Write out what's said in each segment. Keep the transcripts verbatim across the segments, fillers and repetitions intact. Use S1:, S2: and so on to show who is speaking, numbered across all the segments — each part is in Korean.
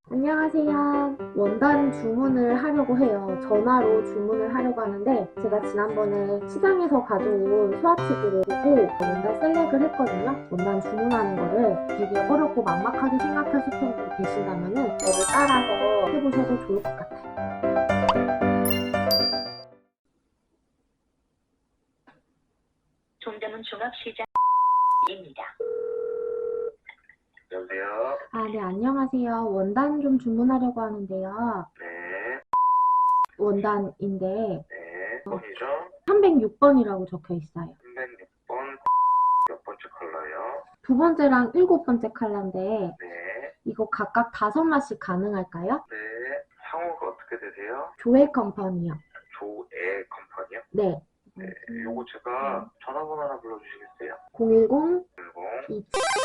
S1: 안녕하세요. 원단 주문을 하려고 해요. 전화로 주문을 하려고 하는데 제가 지난번에 시장에서 가져온 스와치들을 보고 원단 셀렉을 했거든요. 원단 주문하는 거를 되게 어렵고 막막하게 생각하실 분들 계신다면 저를 따라서 해보셔도 좋을 것 같아요.
S2: 종점은 종합시장입니다.
S3: 여보세요?
S1: 아, 네, 안녕하세요. 원단 좀 주문하려고 하는데요.
S3: 네,
S1: 원단인데
S3: 네. 번이죠?
S1: 삼백육 번이라고 적혀 있어요.
S3: 삼백육 번 몇 번째 컬러요?
S1: 두 번째랑 일곱 번째 컬러인데
S3: 네,
S1: 이거 각각 다섯 마씩 가능할까요?
S3: 네. 상호가 어떻게 되세요?
S1: 조회 컴퍼니요.
S3: 조애 컴퍼니요?
S1: 네.
S3: 네, 요거 제가 전화번호 하나 불러주시겠어요?
S1: 공일공
S3: 일공.
S1: 이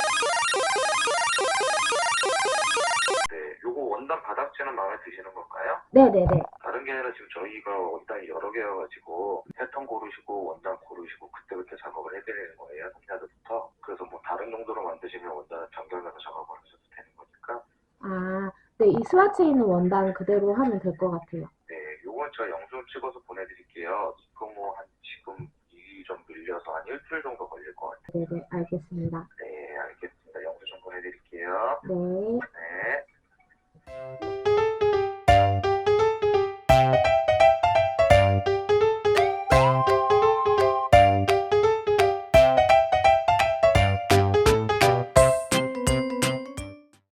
S3: 네, 요거 원단 바닥재는 마음에 드시는 건가요?
S1: 네네네.
S3: 다른 게 아니라 지금 저희가 원단이 여러 개여가지고 패턴 고르시고 원단 고르시고 그때그때 작업을 해드리는 거예요. 삼야도부터. 그래서 뭐 다른 정도로 만드시면 원단은 정결면서 작업을 하셔도 되는 거니까.
S1: 아, 네, 이 스와치에 있는 원단 그대로 하면 될 것 같아요.
S3: 네, 요건 제가 영상 찍어서 보내드릴게요. 이거 뭐 한 지금 일이 좀 밀려서 한 일주일 정도 걸릴 것 같아요.
S1: 네네, 알겠습니다.
S3: 네, 알겠습니다. 영상 좀 보내드릴게요.
S1: 네.
S3: 네.